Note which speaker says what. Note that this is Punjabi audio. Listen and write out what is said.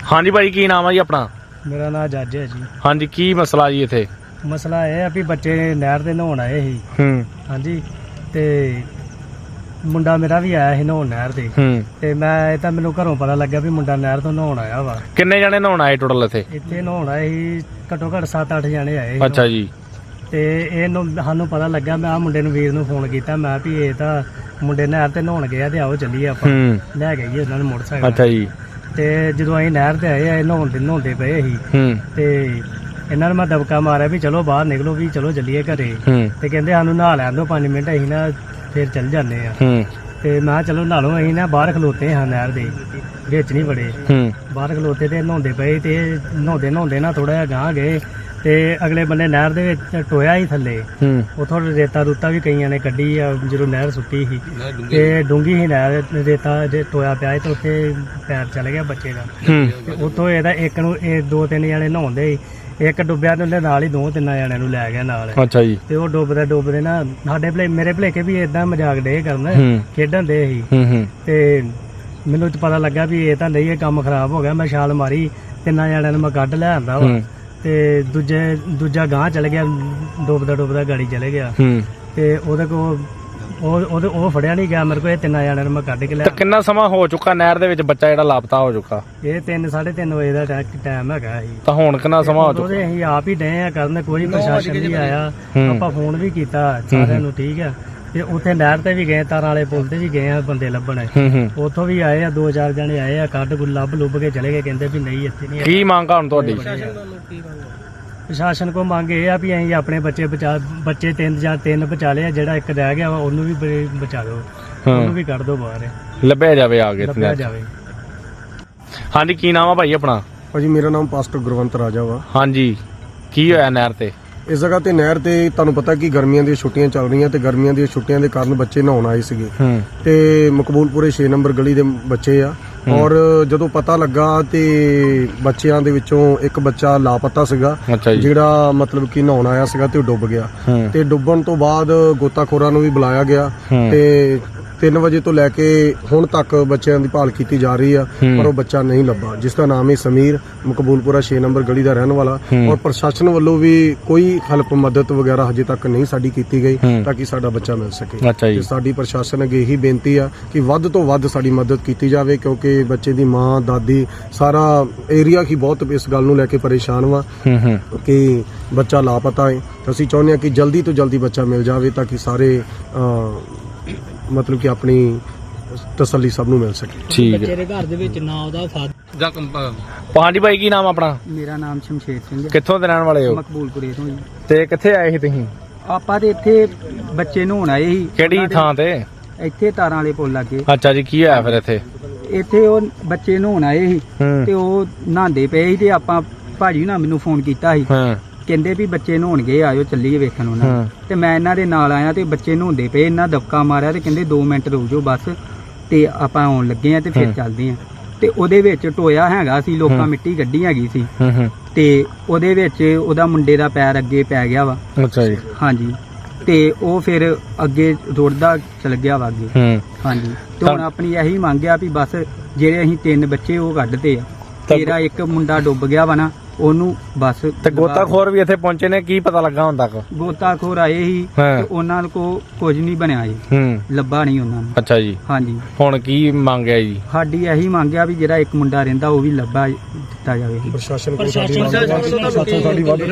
Speaker 1: हाँ जी भाई की नाम है जी अपना?
Speaker 2: मेरा नाम जज है जी।
Speaker 1: हाँ जी की मसला जी इत्थे?
Speaker 2: मसला यह है भी बच्चे नहर ते नहाउण आए ही। हाँ जी ते मुंडा मेरा भी आया ही नहाउण नहर ते मैं तां मैनूं घरों पता लग्या भी मुंडा नहर तो नहाउण आया वा।
Speaker 1: किन्ने जने नहाउण आए टोटल इत्थे?
Speaker 2: इत्थे नहाउण आए ही घट्टो घट्ट 7-8 जने आए ही।
Speaker 1: अच्छा जी।
Speaker 2: ते इहनूं सानूं पता लग्या, मैं मुंडे नूं वीर नूं फोन कीता, मैं भी ये तां मुंडे नहर ते नहाउण गया ते आओ चलीए आपां लै गईए उन्हां नूं मोटरसाइकल।
Speaker 1: अच्छा जी।
Speaker 2: ते जदों ਅਸੀਂ ਨਹਿਰ ਤੇ ਆਏ ਆ ਨਹਾਉਂਦੇ ਪਏ ਸੀ ਤੇ ਇਹਨਾਂ ਨੂੰ ਮੈਂ ਦਬਕਾ ਮਾਰਿਆ ਵੀ ਚਲੋ ਬਾਹਰ ਨਿਕਲੋ ਵੀ ਚਲੋ ਚੱਲੀਏ ਘਰੇ ਤੇ ਕਹਿੰਦੇ ਸਾਨੂੰ ਨਹਾ ਲੈਣ ਦਿਓ 5 ਮਿੰਟ ਅਸੀਂ ਨਾ ਫਿਰ ਚੱਲ ਜਾਂਦੇ ਆ ਤੇ ਮੈਂ ਕਿਹਾ ਚਲੋ ਨਹਾ ਲਓ। ਅਸੀਂ ਨਾ ਬਾਹਰ ਖਲੋਤੇ ਹਾਂ ਨਹਿਰ ਦੇ ਵਿੱਚ ਨਹੀਂ ਵੜੇ, ਬਾਹਰ ਖਲੋਤੇ ਤੇ ਨਹਾਉਂਦੇ ਪਏ ਤੇ ਨਹਾਉਂਦੇ ਨਾ ਥੋੜਾ ਜਿਹਾ ਗਾਂਹ ਗਏ ਤੇ ਅਗਲੇ ਬੰਨੇ ਨਹਿਰ ਦੇ ਵਿੱਚ ਟੋਇਆ ਹੀ ਥੱਲੇ ਉਥੋਂ ਰੇਤਾ ਰੂਤਾ ਵੀ ਕਈਆਂ ਨੇ ਕੱਢੀ ਆ ਜਦੋਂ ਨਹਿਰ ਸੁੱਕੀ ਸੀ ਤੇ ਡੂੰਗੀ ਸੀ ਨਹਿਰ, ਰੇਤਾ ਟੋਇਆ ਪਿਆ ਤੇ ਉੱਥੇ ਪੈਰ ਚਲ ਗਿਆ ਬੱਚੇ ਦਾ ਤੇ ਉੱਥੋਂ ਇਹਦਾ ਇੱਕ ਨੂੰ ਇਹ 2-3 ਜਣੇ ਨਹਾਉਂਦੇ ਸੀ, ਇੱਕ ਡੁੱਬਿਆ ਤੇ ਉਹਦੇ ਨਾਲ ਹੀ 2-3 ਜਣਿਆਂ ਨੂੰ ਲੈ ਗਿਆ ਨਾਲ।
Speaker 1: ਅੱਛਾ ਜੀ।
Speaker 2: ਤੇ ਉਹ ਡੁੱਬਦੇ ਨਾ ਸਾਡੇ ਮੇਰੇ ਭਲੇਕੇ ਵੀ ਏਦਾਂ ਮਜ਼ਾਕ ਡੇ ਕਰਨ ਖੇਡਣ ਦੇ ਸੀ ਤੇ ਮੈਨੂੰ ਪਤਾ ਲੱਗਾ ਵੀ ਇਹ ਤਾਂ ਨਹੀਂ, ਇਹ ਕੰਮ ਖਰਾਬ ਹੋ ਗਿਆ। ਮੈਂ ਛਾਲ ਮਾਰੀ, 3 ਜਣਿਆਂ ਨੂੰ ਮੈਂ ਕੱਢ ਲੈ ਆਂਦਾ ਵਾ ਤੇ ਦੂਜਾ ਗਾਂਹ ਚਲ ਗਿਆ, ਡੁੱਬਦਾ ਗਾੜੀ ਚਲੇ ਗਿਆ ਤੇ ਉਹਦੇ ਕੋਲ ਉਹ ਫੜਿਆ ਨਹੀਂ ਗਿਆ ਮੇਰੇ ਕੋਲ। ਇਹ 3 ਜਣਿਆਂ ਨੂੰ ਮੈਂ ਕੱਢ ਕੇ ਲਿਆ।
Speaker 1: ਕਿੰਨਾ ਸਮਾਂ ਹੋ ਚੁੱਕਾ ਨਹਿਰ ਦੇ ਵਿੱਚ ਬੱਚਾ ਜਿਹੜਾ ਲਾਪਤਾ ਹੋ ਚੁੱਕਾ?
Speaker 2: ਇਹ 3-3:30 ਵਜੇ ਦਾ ਟਾਈਮ ਹੈਗਾ ਸੀ।
Speaker 1: ਤਾਂ ਹੁਣ ਕਿੰਨਾ ਸਮਾਂ ਹੋ ਚੁੱਕਾ?
Speaker 2: ਅਸੀਂ ਆਪ ਹੀ ਡਏ ਆ ਕਰਨ, ਕੋਈ ਪ੍ਰਸ਼ਾਸਨ ਨਹੀਂ ਆਇਆ। ਆਪਾਂ ਫੋਨ ਵੀ ਕੀਤਾ ਸਾਰਿਆਂ ਨੂੰ, ਠੀਕ ਆ। ਤੇ ਉੱਥੇ ਨਹਿਰ ਤੇ ਵੀ ਗਏ, ਤਾਰਾਂ ਵਾਲੇ ਪੁਲ ਤੇ ਵੀ ਗਏ ਆ ਬੰਦੇ ਲੱਭਣ, ਉੱਥੋਂ ਵੀ ਆਏ ਆ 2-4 ਜਣੇ ਆਏ ਆ, ਕੱਢ ਲੱਭ ਕੇ ਚਲੇ ਗਏ, ਕਹਿੰਦੇ ਵੀ ਨਹੀਂ ਇੱਥੇ ਨਹੀਂ।
Speaker 1: ਕੀ ਮੰਗ ਹੁਣ ਤੁਹਾਡੀ?
Speaker 2: ਪ੍ਰਸ਼ਾਸਨ ਕੋ ਮੰਗ ਇਹ ਆ ਵੀ ਅਸੀਂ ਆਪਣੇ ਬੱਚੇ 3 ਬਚਾ ਲਏ ਆ, ਜਿਹੜਾ ਇੱਕ ਰਹਿ ਗਿਆ ਵਾ ਉਹਨੂੰ ਵੀ ਬਚਾ ਦਿਓ, ਉਹਨੂੰ ਵੀ ਕੱਢ ਦਿਓ ਬਾਹਰ,
Speaker 1: ਲੱਭਿਆ ਜਾਵੇ ਆ ਕੇ
Speaker 2: ਲੱਭਿਆ ਜਾਵੇ।
Speaker 1: ਹਾਂਜੀ ਕੀ ਨਾਮ ਆ ਭਾਈ ਆਪਣਾ?
Speaker 3: ਭਾਜੀ ਮੇਰਾ ਨਾਮ ਪਾਸਟਰ ਗੁਰਵੰਤ ਰਾਜਾ ਵਾ।
Speaker 1: ਹਾਂਜੀ ਕੀ ਹੋਇਆ ਨਹਿਰ ਤੇ?
Speaker 3: ਇਸ ਜਗ੍ਹਾ ਤੇ ਨਹਿਰ ਤੇ ਤੁਹਾਨੂੰ ਪਤਾ ਕਿ ਗਰਮੀਆਂ ਦੀਆਂ ਛੁੱਟੀਆਂ ਚੱਲ ਰਹੀਆਂ ਤੇ ਗਰਮੀਆਂ ਦੀਆਂ ਛੁੱਟੀਆਂ ਦੇ ਕਾਰਨ ਬੱਚੇ ਨਹਾਉਣ ਆਏ ਸੀਗੇ ਤੇ ਮਕਬੂਲਪੁਰੇ 6 ਨੰਬਰ ਗਲੀ ਦੇ ਬੱਚੇ ਆ। ਔਰ ਜਦੋਂ ਪਤਾ ਲੱਗਾ ਤੇ ਬੱਚਿਆਂ ਦੇ ਵਿੱਚੋਂ ਇੱਕ ਬੱਚਾ ਲਾਪਤਾ ਸੀਗਾ, ਜਿਹੜਾ ਮਤਲਬ ਕਿ ਨਹਾਉਣ ਆਇਆ ਸੀਗਾ ਤੇ ਉਹ ਡੁੱਬ ਗਿਆ। ਤੇ ਡੁੱਬਣ ਤੋਂ ਬਾਅਦ ਗੋਤਾਖੋਰਾਂ ਨੂੰ ਵੀ ਬੁਲਾਇਆ ਗਿਆ ਤੇ 3 ਵਜੇ ਤੋਂ ਲੈ ਕੇ ਹੁਣ ਤੱਕ ਬੱਚਿਆਂ ਦੀ ਭਾਲ ਕੀਤੀ ਜਾ ਰਹੀ ਆ, ਪਰ ਉਹ ਬੱਚਾ ਨਹੀਂ ਲੱਭਾ, ਜਿਸ ਦਾ ਨਾਮ ਹੈ ਸਮੀਰ, ਮਕਬੂਲਪੁਰਾ 6 ਨੰਬਰ ਗਲੀ ਦਾ ਰਹਿਣ ਵਾਲਾ। ਔਰ ਪ੍ਰਸ਼ਾਸਨ ਵੱਲੋਂ ਵੀ ਕੋਈ ਹੈਲਪ ਮਦਦ ਵਗੈਰਾ ਹਜੇ ਤੱਕ ਨਹੀਂ ਸਾਡੀ ਕੀਤੀ ਗਈ ਤਾਂ ਕਿ ਸਾਡਾ ਬੱਚਾ ਮਿਲ ਸਕੇ। ਤੇ ਸਾਡੀ ਪ੍ਰਸ਼ਾਸਨ ਅੱਗੇ ਇਹੀ ਬੇਨਤੀ ਆ ਕਿ ਵੱਧ ਤੋਂ ਵੱਧ ਸਾਡੀ ਮਦਦ ਕੀਤੀ ਜਾਵੇ, ਕਿਉਂਕਿ ਬੱਚੇ ਦੀ ਮਾਂ, ਦਾਦੀ, ਸਾਰਾ ਏਰੀਆ ਹੀ ਬਹੁਤ ਇਸ ਗੱਲ ਨੂੰ ਲੈ ਕੇ ਪਰੇਸ਼ਾਨ ਵਾ ਕਿ ਬੱਚਾ ਲਾਪਤਾ ਹੈ। ਅਸੀਂ ਚਾਹੁੰਦੇ ਹਾਂ ਕਿ ਜਲਦੀ ਤੋਂ ਜਲਦੀ ਬੱਚਾ ਮਿਲ ਜਾਵੇ ਤਾਂ ਕਿ ਸਾਰੇ ਮਤਲਬ ਕਿ ਆਪਣੀ ਤਸੱਲੀ ਸਭ ਨੂੰ ਮਿਲ ਸਕੇ।
Speaker 1: ਠੀਕ ਹੈ।
Speaker 2: ਬੱਚੇ ਦੇ ਘਰ ਦੇ ਵਿੱਚ ਨਾ ਉਹਦਾ
Speaker 1: ਹਾਂਜੀ ਭਾਈ ਕੀ ਨਾਮ ਆਪਣਾ?
Speaker 2: ਮੇਰਾ ਨਾਮ ਸ਼ਮਸ਼ੇਰ ਸਿੰਘ ਹੈ।
Speaker 1: ਕਿੱਥੋਂ ਦੇ ਰਹਿਣ ਵਾਲੇ ਹੋ?
Speaker 2: ਮਕਬੂਲਪੁਰੇ ਤੋਂ ਜੀ।
Speaker 1: ਤੇ ਕਿੱਥੇ ਆਏ ਸੀ ਤੁਸੀਂ?
Speaker 2: ਆਪਾਂ ਤੇ ਇੱਥੇ ਬੱਚੇ ਨਹਾਉਣ ਆਏ ਸੀ।
Speaker 1: ਕਿਹੜੀ ਥਾਂ ਤੇ?
Speaker 2: ਇੱਥੇ ਤਾਰਾਂ ਵਾਲੇ ਪੁੱਲ ਲੱਗੇ।
Speaker 1: ਅੱਛਾ ਜੀ ਕੀ ਹੋਇਆ ਫਿਰ ਇੱਥੇ?
Speaker 2: ਇੱਥੇ ਉਹ ਬੱਚੇ ਨਹਾਉਣ ਆਏ ਸੀ ਤੇ ਉਹ ਨਹਾਉਂਦੇ ਪਏ ਸੀ ਤੇ ਆਪਾਂ ਭਾਜੀ ਨਾ ਮੈਨੂੰ ਫੋਨ ਕੀਤਾ ਸੀ, ਕਹਿੰਦੇ ਵੀ ਬੱਚੇ ਨਹਾਉਣ ਗਏ, ਆਇਓ ਚੱਲੀਏ ਵੇਖਣ ਉਹਨਾਂ ਤੇ ਮੈਂ ਇਹਨਾਂ ਦੇ ਨਾਲ ਆਇਆ ਤੇ ਬੱਚੇ ਨਹਾਉਂਦੇ ਪਏ, ਇਹਨਾਂ ਦਬਕਾ ਮਾਰਿਆ ਤੇ ਕਹਿੰਦੇ 2 ਮਿੰਟ ਰੁਕ ਜਾਓ ਬਸ, ਤੇ ਆਪਾਂ ਆਉਣ ਲੱਗੇ ਆ ਤੇ ਫਿਰ ਚੱਲਦੇ ਆ। ਤੇ ਉਹਦੇ ਵਿੱਚ ਟੋਇਆ ਹੈਗਾ ਸੀ, ਲੋਕਾਂ ਮਿੱਟੀ ਗੱਡੀ ਹੈਗੀ ਸੀ ਤੇ ਉਹਦੇ ਵਿੱਚ ਉਹਦਾ ਮੁੰਡੇ ਦਾ ਪੈਰ ਅੱਗੇ ਪੈ ਗਿਆ ਵਾ।
Speaker 1: ਅੱਛਾ ਜੀ।
Speaker 2: ਹਾਂਜੀ ਤੇ ਉਹ ਫਿਰ ਅੱਗੇ ਰੁੜਦਾ ਚਲ ਗਿਆ ਵਾ ਅੱਗੇ। ਹਾਂਜੀ ਤੇ ਹੁਣ ਆਪਣੀ ਇਹੀ ਮੰਗ ਆ ਵੀ ਬਸ ਜਿਹੜੇ ਅਸੀਂ 3 ਬੱਚੇ ਉਹ ਕੱਢਦੇ ਆ, ਤੇਰਾ ਇੱਕ ਮੁੰਡਾ ਡੁੱਬ ਗਿਆ ਵਾ ਨਾ, ਉਹਨੂੰ ਬਸ। ਤੇ
Speaker 1: ਗੋਤਾਖੋਰ ਵੀ ਇੱਥੇ ਪਹੁੰਚੇ ਨੇ, ਕੀ ਪਤਾ ਲੱਗਾ ਹੁਣ ਤੱਕ?
Speaker 2: ਗੋਤਾਖੋਰ ਆਏ ਸੀ ਤੇ ਉਹਨਾਂ ਕੋ ਕੁਝ ਨਹੀਂ ਬਣਿਆ ਜੀ, ਲੱਭਾ ਨਹੀਂ ਉਹਨਾਂ ਨੂੰ।
Speaker 1: ਅੱਛਾ ਜੀ।
Speaker 2: ਹਾਂਜੀ
Speaker 1: ਹੁਣ ਕੀ ਮੰਗਿਆ ਜੀ?
Speaker 2: ਸਾਡੀ ਇਹੀ ਮੰਗਿਆ ਵੀ ਜਿਹੜਾ ਇੱਕ ਮੁੰਡਾ ਰਹਿੰਦਾ ਉਹ ਵੀ ਲੱਭਾ ਦਿੱਤਾ ਜਾਵੇ।
Speaker 3: ਪ੍ਰਸ਼ਾਸਨ ਕੋਲ ਸਾਡੀ